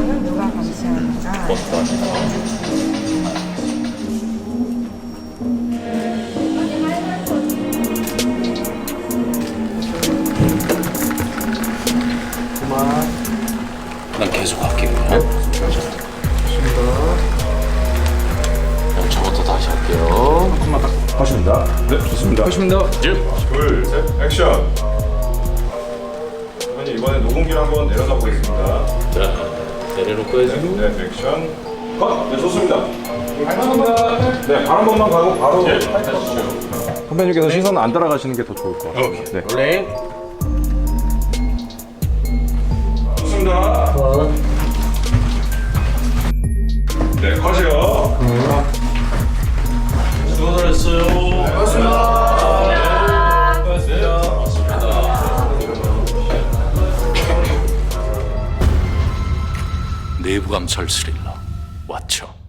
안전은 누가 감시하는가? 버스도 아니고. 난 계속 할게요. 형, 저부터 다시 할게요. 한번만 딱 하십니다. 네, 좋습니다. 하십니다. 둘, 셋, 액션. 선배님 이번에 녹음기를 한번 내려다 보겠습니다. 자, 내려놓고 해주고. 네, 액션. 컷. 네, 좋습니다. 네, 발 한 번만 가고 바로. 선배님께서 시선 안 따라가시는 게 더 좋을 것 같아요. 네. 롤링. 좋습니다. 네, 컷이요. 수고 잘했어요. 내부감찰 스릴러 왓챠.